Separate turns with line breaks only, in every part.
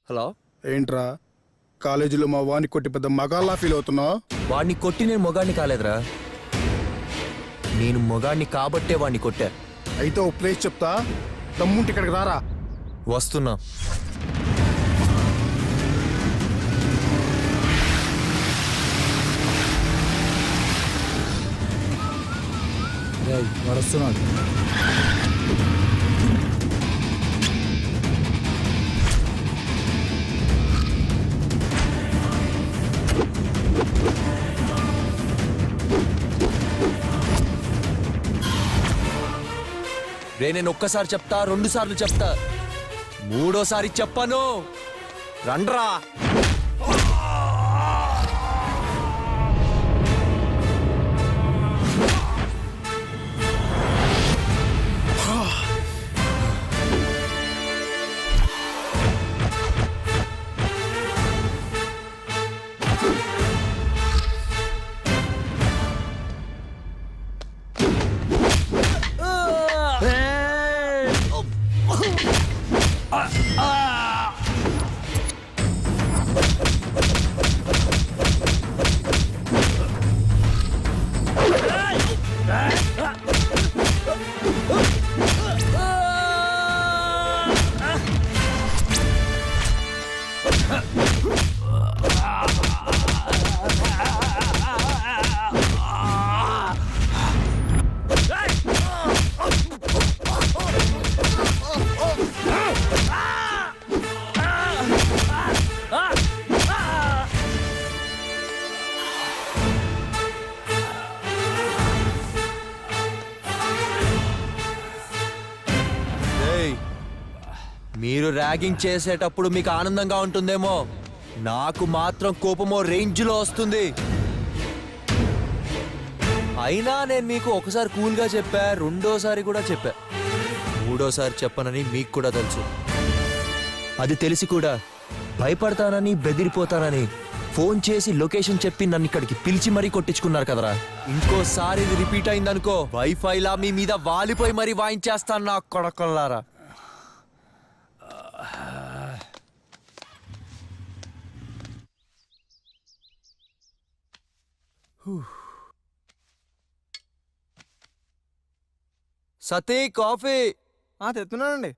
Hello.
ఏంట్రా కాలేజీలో మా వాణ్ణి కొట్టి పెద్ద మగాళ్ళ ఫీల్ అవుతున్నావు?
వాడిని కొట్టి నేను మొగాడిని కాలేదురా, నేను మొగాడిని కాబట్టే వాడిని కొట్టా.
అయితే ఓ ప్లేస్ చెప్తా, దమ్ముంటే ఇక్కడికి రారా.
వస్తున్నా.
వస్తున్నాడు.
రే నేను ఒక్కసారి చెప్తా, 2 సార్లు చెప్తా, 3వ సారి చెప్పను. రండ్రా. మీరు ర్యాగింగ్ చేసేటప్పుడు మీకు ఆనందంగా ఉంటుందేమో, నాకు మాత్రం కోపమో రేంజ్లో వస్తుంది. అయినా నేను మీకు ఒకసారి కూల్గా చెప్పా, 2వ సారి కూడా చెప్పా, 3వ సారి చెప్పనని మీకు కూడా తెలుసు. అది తెలిసి కూడా భయపడతానని, బెదిరిపోతానని ఫోన్ చేసి లొకేషన్ చెప్పి నన్ను ఇక్కడికి పిలిచి మరీ కొట్టించుకున్నారు కదరా. ఇంకోసారి ఇది రిపీట్ అయిందనుకో, వైఫైలా మీ మీద వాలిపోయి మరీ వాయించేస్తాను నా కొడకల్లారా. సతీ కాఫీ.
తెస్తున్నానండి.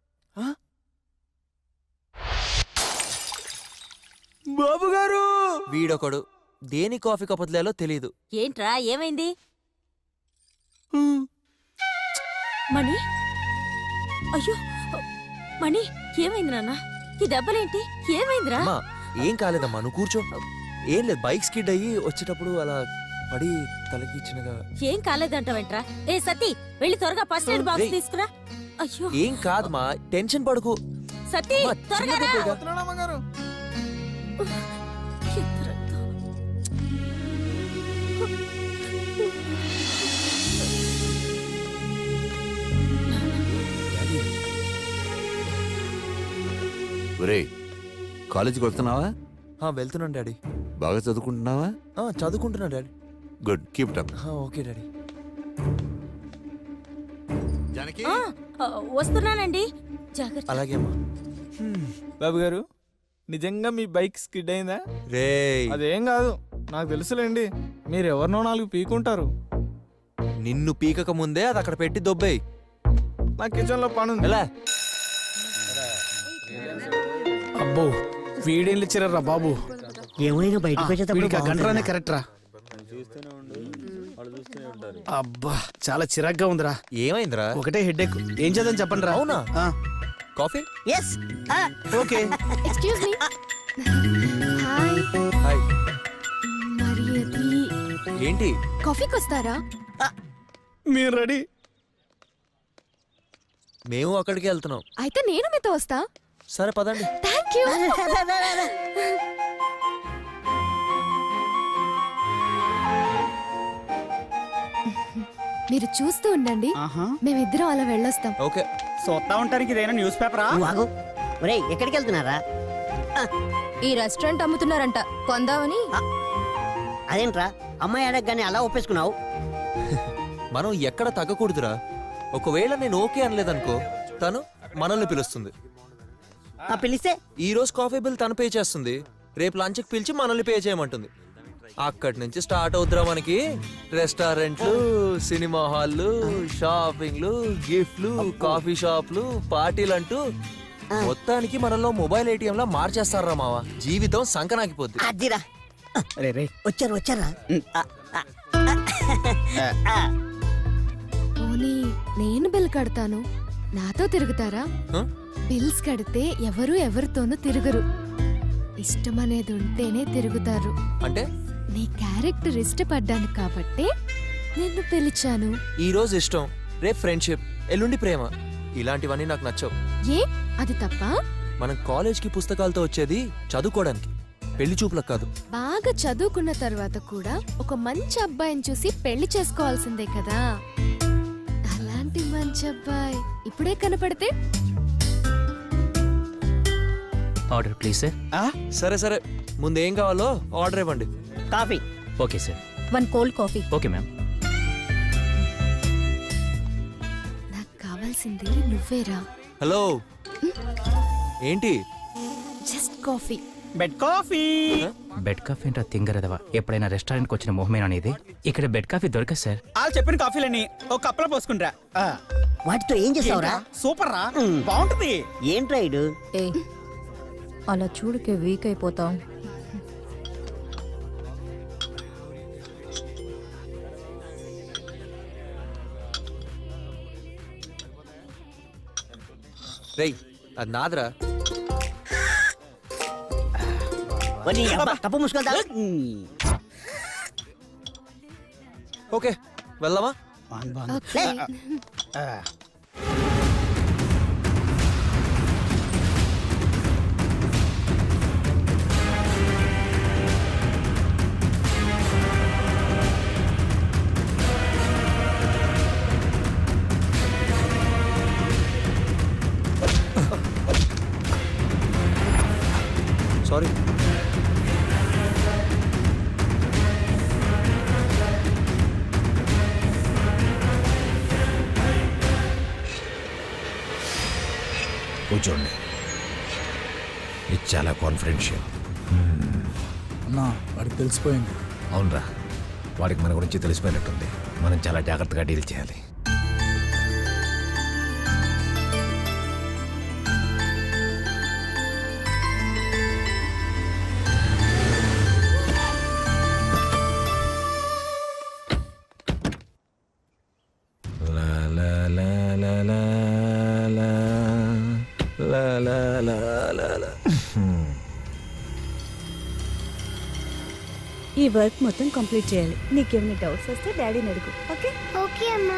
బాబు గారు,
వీడొకడు దేని కాఫీ కపతలేలో తెలీదు.
ఏంట్రా ఏమైంది? మణి, అయ్యో మణి, ఏమైంది నాన్న? ఈ దెబ్బలేంటి? ఏమైందిరా?
అమ్మా ఏం కాలేదమ్మా, నువ్వు కూర్చో. ఏం లేదు, బైక్ స్కిడ్ అయ్యి వచ్చేటప్పుడు అలా పడి తలకి చిన్నగా.
ఏం కాలేదంటావేంట్రా? ఏ సతీ, వెళ్ళి త్వరగా ఫస్ట్ ఎయిడ్ బాక్స్ తీసుకురా. అయ్యో
ఏం కాదమ్మా, టెన్షన్ పడకు.
సతీ,
అమ్మా,
త్వరగా
చిన్న
రా.
దెబ్బేగా.
వస్తున్నానమ్మ గారు.
ఎంత రక్తం.
ఒరేయ్, కాలేజీకి వెళ్తున్నావా?
వెళ్తున్నాను డాడీ.
బాగా చదువుకుంటున్నావా?
చదువుకుంటున్నా daddy.
Good, keep it up.
Okay daddy.
Janaki,
వస్తున్నానండి, జాగ్రత్త.
అలాగే అమ్మా.
బాబు గారు, నిజంగా మీ బైక్ స్కిడ్ అయిందా?
రే
అదేం కాదు, నాకు తెలుసులేండి. మీరు ఎవరినో 4 పీకుంటారు.
నిన్ను పీకక ముందే అది అక్కడ పెట్టి దొబ్బేయ్.
నా కిచెన్ లో పని ఉంది.
ఎలా?
అబ్బో వీడేం లేచారా బాబు.
ఏమైనా బయటకు వచ్చేటప్పుడు
గంటరానే కరెక్ట్ రా. అబ్బా చాలా చిరాగ్గా ఉందిరా.
ఏమైందిరా?
ఒకటే హెడ్ ఎక్. ఏం చేద్దాం చెప్పండి రా.
అవునా? Coffee.
yes
okay.
Excuse me. Hi.
Hi.
మరి అది
ఏంటి?
కాఫీకి వస్తారా?
మీరు రెడీ?
మేము అక్కడికి వెళ్తున్నాం.
అయితే నేను మీతో వస్తా.
సరే పదండి.
Thank you. మీరు చూస్తూ ఉండండి, మేమిద్దరం అలా వెళ్ళొస్తాం.
ఓకే.
చూస్తా ఉంటానికి ఇదేనా న్యూస్ పేపరా?
వాగు. ఒరేయ్, ఎక్కడికి వెళ్తున్నారా?
ఈ రెస్టారెంట్ అమ్ముతున్నారంట, కొందామని.
అదేంట్రా అమ్మాయి అడగగానే అలా ఒప్పేసుకున్నావు?
మనం ఎక్కడ తగ్గకూడదురా. ఒకవేళ నేను ఓకే అనలేదనుకో, తను మనల్ని పిలుస్తుంది.
పిలిస్తే
ఈ రోజు కాఫీ బిల్ తను పే చేస్తుంది, రేపు లంచ్కి పిలిచి మనల్ని పే చేయమంటుంది. అక్కడి నుంచి స్టార్ట్ అవుతురా మనకి రెస్టారెంట్లు, సినిమా హాల్లు, షాపింగ్లు, గిఫ్ట్లు, కాఫీ షాప్లు, పార్టీలు అంటూ మొత్తానికి మనలో మొబైల్ ఏటీఎం లా మార్చేస్తారా మావా. జీవితం సంకనాకిపోద్ది.
అదిరా
రే రే
వచ్చారు వచ్చారా
పోనీ నేను బిల్ కడతాను, నాతో తిరుగుతారా?
హ?
బిల్స్ కడితే ఎవరు ఎవరితోనూ తిరగరు, ఇష్టం అనేది ఉంటేనే తిరుగుతారు.
అంటే
నీ క్యారెక్టర్ ఇష్టపడ్డాను కాబట్టే నిన్ను పిలిచాను.
ఈ రోజు ఇష్టం, రేపు ఫ్రెండ్షిప్, ఎల్లుండి ప్రేమ. ఇలాంటివన్నీ నాకు నచ్చవు.
ఏ అది తప్ప?
మనం కాలేజ్కి పుస్తకాలతో వచ్చేది చదువుకోవడానికి, పెళ్లి చూపులకు కాదు.
బాగా చదువుకున్న తర్వాత కూడా ఒక మంచి అబ్బాయిని చూసి పెళ్లి చేసుకోవాల్సిందే కదా. అలాంటి మంచి అబ్బాయి ఇప్పుడే కనపడితే
ఆర్డర్ ప్లీజ్ సార్.
సరే సరే, ముందు ఏం కావాలో ఆర్డర్ ఇవ్వండి.
Coffee
okay sir.
1 cold coffee.
Okay ma'am.
నాకు కావాల్సింది నువ్వేరా.
హలో, ఏంటి?
Just coffee.
Bed coffee.
Bed coffee అంటే తింగరదవా, ఎప్పుడైనా రెస్టారెంట్కి వచ్చిన మొహమేనా అనేది? ఇక్కడ బెడ్ కాఫీ దొరకదు సార్.
వాళ్ళు చెప్పిన కాఫీలని ఒక కప్పులో పోసుకుంటా.
వాటితో ఏం చేస్తావురా?
సూపర్ రా, బాగుంటది.
ఏంట్రా ఇడు?
ఏ అలా చూడుకే వీక్ అయిపోతాం.
రేయ్, అది నాదరా.
వరి అబ్బా, కప్పు మూసుకుంటా.
ఓకే, వెళ్దామా?
ఓకే.
సారీ.
కూర్చోండి, ఇది చాలా కాన్ఫిడెన్షియల్.
అన్నా వాడికి తెలిసిపోయింది.
అవునరా, వాడికి మన గురించి తెలిసిపోయినట్టుంది. మనం చాలా జాగ్రత్తగా డీల్ చేయాలి. లా లా లా లా లా లా లా లా లా లా లా.
ఈ వర్క్ మొత్తం కంప్లీట్ చేయాలి. నీకేమైనా డౌట్స్ వస్తే డాడీని అడుగు. ఓకే?
ఓకే అమ్మా.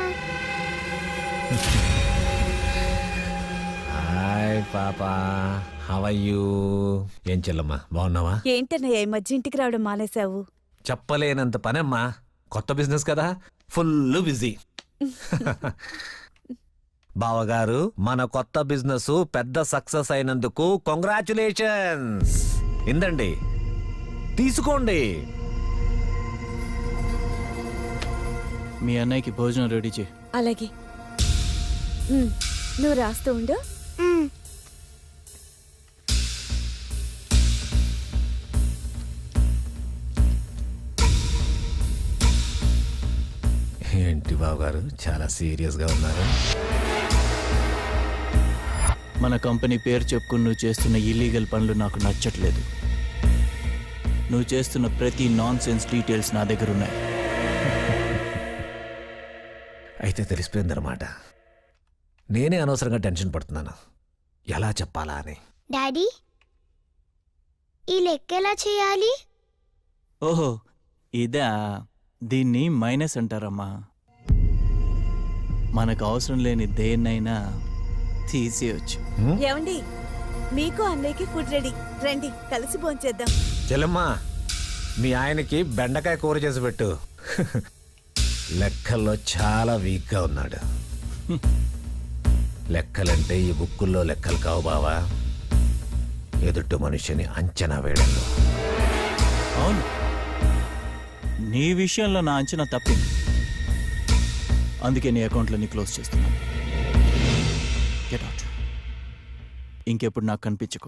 హాయ్ పాపా, హౌ ఆర్ యూ? ఏం చెల్లమ్మా, బాగున్నావా?
ఏంటన్నయ్య ఈ మధ్య ఇంటికి రావడం మానేశావు?
చెప్పలేనంత పనమ్మా, కొత్త బిజినెస్ కదా, ఫుల్ బిజీ. బావగారు, మన కొత్త బిజినెస్ పెద్ద సక్సెస్ అయినందుకు కంగ్రాచులేషన్స్. ఇందండి, తీసుకోండి.
మీ అన్నయ్యకి భోజనం రెడీ చేయి.
అలాగే. నువ్వు రాస్తూ ఉండు.
ఏంటి బావగారు, చాలా సీరియస్గా ఉన్నారు?
మన కంపెనీ పేరు చెప్పుకుని నువ్వు చేస్తున్న ఇల్లీగల్ పనులు నాకు నచ్చట్లేదు. నువ్వు చేస్తున్న ప్రతి నాన్ సెన్స్ డీటెయిల్స్ నా దగ్గర ఉన్నాయి.
అయితే తెలిసిపోయిందన్నమాట. నేనే అనవసరంగా టెన్షన్ పడుతున్నాను, ఎలా చెప్పాలా అని.
డాడీ, ఈ లెక్క ఎలా చేయాలి?
ఓహో, ఇదా? దీన్ని మైనస్ అంటారమ్మా. మనకు అవసరం లేని దేన్నైనా తీసేయచ్చు.
ఏమండి, మీకు అన్నయ్యకి ఫుడ్ రెడీ. రండి కలిసి భోంచేద్దాం.
చెల్లమ్మా, మీ ఆయనకి బెండకాయ కూర చేసి పెట్టు. లెక్కల్లో చాలా వీక్గా ఉన్నాడు. లెక్కలంటే ఈ బుక్కుల్లో లెక్కలు కావు బావా, ఎదుటి మనిషిని అంచనా వేయడంలో.
అవును, నీ విషయంలో నా అంచనా తప్పింది. అందుకే నీ అకౌంట్లన్నీ క్లోజ్ చేస్తున్నాను. Get out. ఇంకెప్పుడు నాకు కనిపించుకో.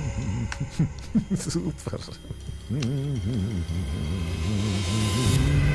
సూపర్.